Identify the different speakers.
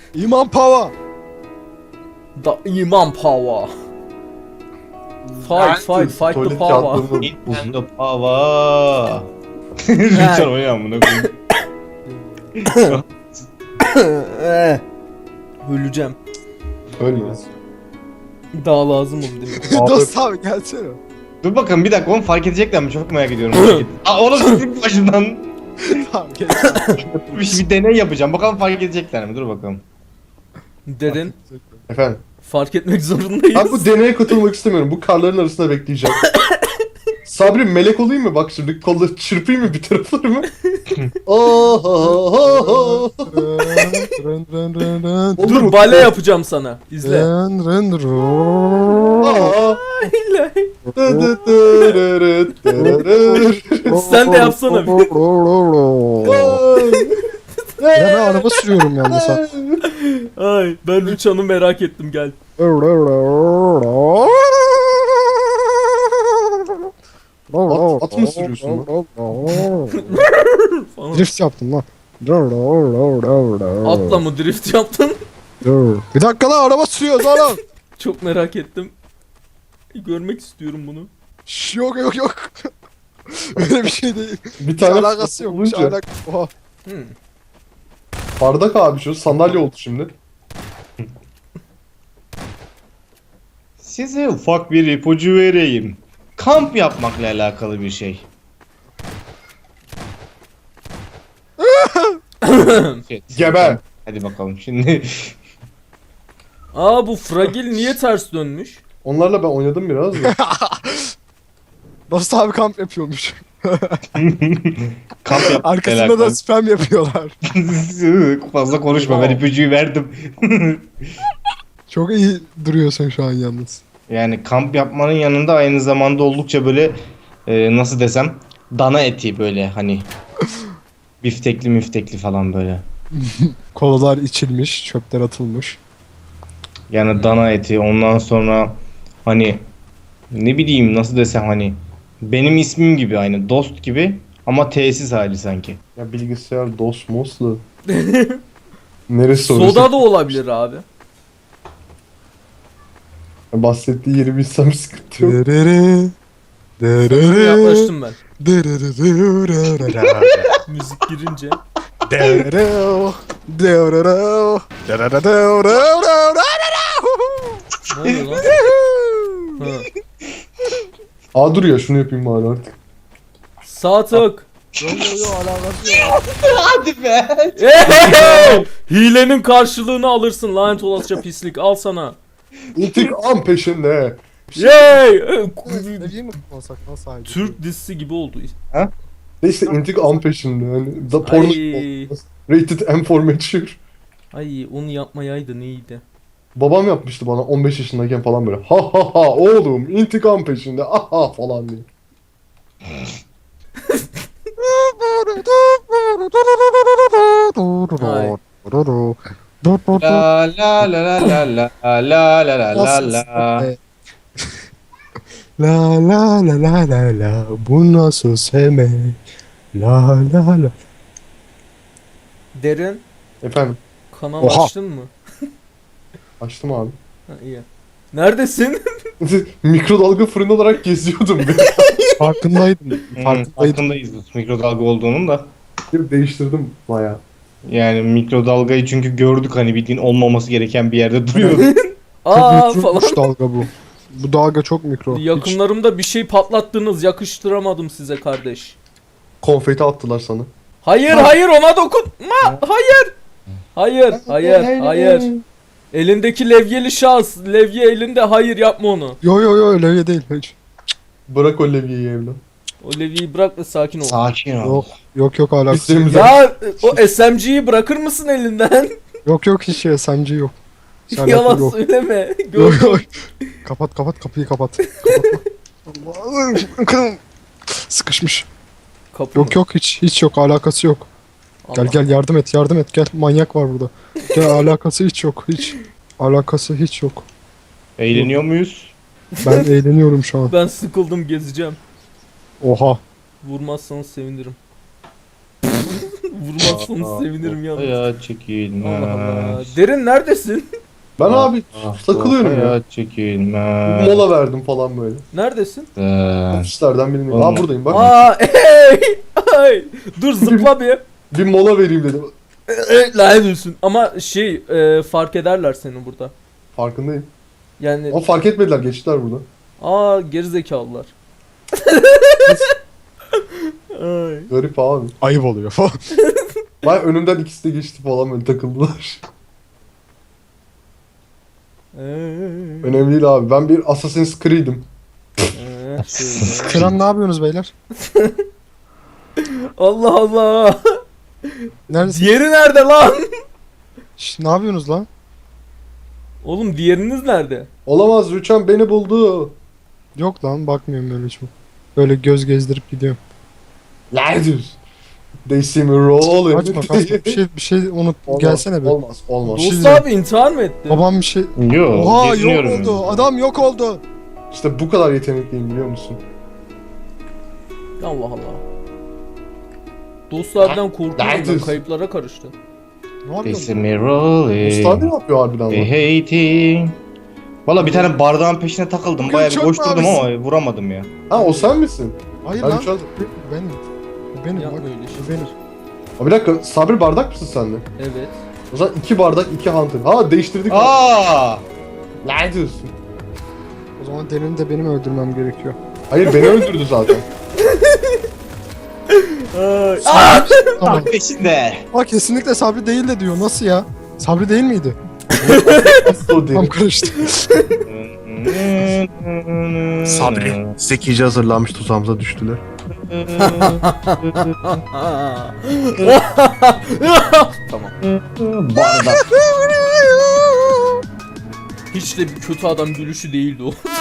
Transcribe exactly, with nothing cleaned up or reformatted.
Speaker 1: İman Pava.
Speaker 2: Da iman power. Fight fight fight the
Speaker 3: Tuvalet
Speaker 2: power.
Speaker 3: kağıtlarını
Speaker 4: Nintendo Pava. Lütfen oynayalım bunu.
Speaker 2: Öleceğim.
Speaker 3: ölmez.
Speaker 2: Daha lazım oldu değil mi?
Speaker 1: Dost abi gelsene.
Speaker 4: Dur bakalım bir dakika onu fark edecekler mi? Çok merak ediyorum. Aa oğlum siktir başından.
Speaker 1: Tamam gel.
Speaker 4: Bir, şey- bir deney yapacağım. Bakalım fark edecekler mi? Dur bakalım.
Speaker 2: Derin.
Speaker 3: Efendim.
Speaker 2: Fark etmek zorundayız.
Speaker 3: Ben bu deneye katılmak istemiyorum. Bu karların arasında bekleyeceğim. Sabri melek olayım mı? Bak şimdi kolları çırpayım mı bir taraflarımı? Oh, oh, oh, oh.
Speaker 1: Rın rın rın rın.
Speaker 3: Olur
Speaker 2: Dur
Speaker 3: mu?
Speaker 2: bale yapacağım sana. İzle.
Speaker 1: Rın rın rın.
Speaker 3: Aa. Dı dı dırırı dırırı.
Speaker 2: Sen de yapsana bir.
Speaker 1: Ya ben araba sürüyorum yalnız ha.
Speaker 2: Ay ben uçanı merak ettim gel.
Speaker 3: At- at mı sürüyorsun
Speaker 2: Falan.
Speaker 1: Drift yaptım lan.
Speaker 2: Atla mı drift yaptın?
Speaker 1: Bir dakika lan araba sürüyoruz oğlum.
Speaker 2: Çok merak ettim. Görmek istiyorum bunu.
Speaker 1: Şş, yok yok yok. Öyle bir şey değil.
Speaker 3: Bir
Speaker 1: Hiç
Speaker 3: tane
Speaker 1: alakası yok. Hiç
Speaker 3: olunca
Speaker 1: alak Oha.
Speaker 2: Hmm.
Speaker 3: bardak abi şu sandalye oldu şimdi.
Speaker 4: Size ufak bir ipucu vereyim. Kamp yapmakla alakalı bir şey. Shit.
Speaker 3: Geber.
Speaker 4: Hadi bakalım şimdi.
Speaker 2: Aa bu fragil niye ters dönmüş?
Speaker 3: Onlarla ben oynadım biraz da.
Speaker 1: Dost abi kamp yapıyormuş.
Speaker 4: Kamp yapmakla
Speaker 1: Arkasında da
Speaker 4: alakalı.
Speaker 1: spam yapıyorlar.
Speaker 4: Fazla konuşma ben ipucuyu verdim.
Speaker 1: Çok iyi duruyorsun şu an yalnız.
Speaker 4: Yani kamp yapmanın yanında aynı zamanda oldukça böyle e, nasıl desem dana eti böyle hani biftekli müftekli falan böyle.
Speaker 1: Kolalar içilmiş, çöpler atılmış.
Speaker 4: Yani dana eti ondan sonra hani ne bileyim nasıl desem hani benim ismim gibi aynı dost gibi ama tesis hali sanki.
Speaker 3: Ya bilgisayar dos moslu. Neresi orası?
Speaker 2: Soda da olabilir abi.
Speaker 3: Bahsettiği yeri bilsem sıkıntı yok.
Speaker 1: Derere. Derere.
Speaker 2: Yaklaştım ben.
Speaker 1: Derere.
Speaker 2: Müzik girince.
Speaker 1: Derere. Derere.
Speaker 2: Ne oluyor lan? Ha.
Speaker 3: Aa dur ya şunu yapayım bari artık.
Speaker 2: Sağ tık.
Speaker 1: Yo yo yo alakası yok.
Speaker 4: Hadi be.
Speaker 2: Hey! Hilenin karşılığını alırsın lanet olasıca pislik al sana.
Speaker 3: İntikam peşinde.
Speaker 2: Yay!
Speaker 1: Ne diyeyim mi konsak nasıl haydi?
Speaker 2: Türk dizisi gibi oldu.
Speaker 3: Neyse intikam peşinde. Yani da porno
Speaker 2: Ay,
Speaker 3: rated M for mature.
Speaker 2: ay onu yapmayaydı neydi?
Speaker 3: Babam yapmıştı bana on beş yaşındayken falan böyle. Ha ha ha oğlum intikam peşinde. Aha falan diye.
Speaker 2: Ay.
Speaker 4: La la la la la la la la la la la.
Speaker 1: La la la la la la bu nasıl sevmek? La la la.
Speaker 2: Derin
Speaker 3: Efendim
Speaker 2: kanal
Speaker 1: Oha.
Speaker 2: açtın mı?
Speaker 3: açtım abi.
Speaker 2: Ha, iyi. Neredesin?
Speaker 3: Mikrodalga fırın olarak geziyordum.
Speaker 1: Farkındaydım.
Speaker 4: Hmm,
Speaker 1: Farkındaydım.
Speaker 4: farkındayız mikrodalga olduğunun da.
Speaker 3: Bir değiştirdim baya.
Speaker 4: Yani mikrodalgayı çünkü gördük hani bildiğin olmaması gereken bir yerde duruyordu.
Speaker 2: Aa
Speaker 1: Çok
Speaker 2: falan.
Speaker 1: mikroymuş dalga bu. Bu dalga çok mikro. Hiç
Speaker 2: Yakınlarımda bir şey patlattınız. Yakıştıramadım size kardeş.
Speaker 3: Konfeti attılar sana.
Speaker 2: Hayır hayır ona dokunma. Hayır. Hayır hayır hayır. Elindeki levyeli şahıs. Levye elinde hayır yapma onu.
Speaker 1: Yo yo yo öyle değil hiç.
Speaker 3: Bırak o levyeyi evlen.
Speaker 2: O levyeyi bırak ve sakin ol.
Speaker 4: Sakin ol.
Speaker 1: Yok yok yok alakası.
Speaker 3: İsteğimiz-
Speaker 2: Ya o S M G'yi bırakır mısın elinden?
Speaker 1: Yok yok hiç şey S M G yok. Hiç alakası
Speaker 2: Yalan
Speaker 1: yok.
Speaker 2: söyleme.
Speaker 1: Yok
Speaker 2: Gördüm.
Speaker 1: yok. Kapat kapat kapıyı kapat. Kapatma. Allah'ım. Sıkışmış.
Speaker 2: Kapı
Speaker 1: Yok
Speaker 2: mı?
Speaker 1: yok hiç hiç yok alakası yok. Gel
Speaker 2: Allah.
Speaker 1: gel yardım et yardım et gel manyak var burada. Gel alakası hiç yok hiç. Alakası hiç yok.
Speaker 4: Eğleniyor muyuz?
Speaker 1: Ben eğleniyorum şu an.
Speaker 2: Ben sıkıldım gezeceğim.
Speaker 1: Oha.
Speaker 2: Vurmazsanız sevinirim. vurmazsanız sevinirim yalnız.
Speaker 4: Hayat çekilmez.
Speaker 2: Allah Allah. Derin neredesin?
Speaker 3: Ben abi
Speaker 4: Ah,
Speaker 3: takılıyorum ya.
Speaker 4: Hayat çekilmez.
Speaker 3: Mola verdim falan böyle.
Speaker 2: Neredesin?
Speaker 4: Ee,
Speaker 3: Ofislerden birindeyim.
Speaker 4: Oğlum.
Speaker 3: Aa buradayım bak.
Speaker 2: Aa hey! Ay! Dur zıpla bir.
Speaker 3: Bir mola vereyim dedim.
Speaker 2: Lanet olsun. Ama şey e, fark ederler seni burada.
Speaker 3: Farkındayım.
Speaker 2: Yani
Speaker 3: Ama fark etmediler, geçtiler burada.
Speaker 2: aa gerizekalılar. Ay.
Speaker 3: Garip abi.
Speaker 1: Ayıp oluyor falan.
Speaker 3: Vay önümden ikisi de geçti falan böyle takıldılar.
Speaker 2: Ee,
Speaker 3: Önemli değil abi. Ben bir Assassin's Creed'im.
Speaker 2: ee, şöyle.
Speaker 1: Kıran ne yapıyorsunuz beyler?
Speaker 2: Allah Allah.
Speaker 1: Neredesin?
Speaker 2: Diğeri nerede lan?
Speaker 1: Şş, ne yapıyorsunuz lan?
Speaker 2: Oğlum diğeriniz nerede?
Speaker 3: Olamaz, Rüçhan beni buldu.
Speaker 1: Yok lan bakmıyorum böyle hiç. Böyle göz gezdirip gidiyorum.
Speaker 3: Lanet. They see me rolling.
Speaker 1: Kaçma kaçma. Bir şey bir şey unut.
Speaker 3: Olmaz,
Speaker 1: Gelsene be.
Speaker 3: Olmaz, olmaz.
Speaker 1: şey
Speaker 2: Dost
Speaker 1: diyeceğim.
Speaker 2: abi intihar mı etti?
Speaker 1: Babam bir şey...
Speaker 4: Yo,
Speaker 1: Oha yok
Speaker 4: geziniyorum
Speaker 1: oldu.
Speaker 4: yani.
Speaker 1: Adam yok oldu.
Speaker 3: İşte bu kadar yetenekliyim biliyor musun?
Speaker 2: Allah Allah. Dostlardan korkuyorum ben,
Speaker 3: Lanet.
Speaker 2: kayıplara karıştı.
Speaker 1: Ne
Speaker 4: They
Speaker 1: yapıyorsun?
Speaker 4: see me rolling.
Speaker 3: Usta ne yapıyor harbiden
Speaker 4: They
Speaker 3: lan?
Speaker 4: hating. Valla bir tane bardağın peşine takıldım.
Speaker 1: Bugün
Speaker 4: Bayağı bir
Speaker 1: çok
Speaker 4: koşturdum
Speaker 1: mavisin.
Speaker 4: ama vuramadım ya.
Speaker 3: Ha o sen misin?
Speaker 1: Hayır
Speaker 3: Ben
Speaker 1: lan.
Speaker 3: Rüçhan...
Speaker 1: Benim. Benim.
Speaker 2: Yapma
Speaker 1: Bak,
Speaker 2: öyle şey.
Speaker 1: benim.
Speaker 3: Ha, bir dakika, Sabri bardak mısın sen de?
Speaker 2: Evet.
Speaker 3: O zaman iki bardak, iki hunter. Ha değiştirdik.
Speaker 4: Aa!
Speaker 3: Lanet olsun.
Speaker 1: O zaman Derin'i de benim öldürmem gerekiyor.
Speaker 3: Hayır beni öldürdü zaten.
Speaker 2: Aa!
Speaker 1: Tamam.
Speaker 4: Peşinde.
Speaker 1: Aa kesinlikle Sabri değil de diyor. Nasıl ya? Sabri değil miydi?
Speaker 3: O değil.
Speaker 1: Tam karıştı.
Speaker 3: Sabri zekice hazırlanmış, tuzağımıza düştüler.
Speaker 4: Bardak.
Speaker 2: Hiç de bir kötü adam gülüşü değildi o.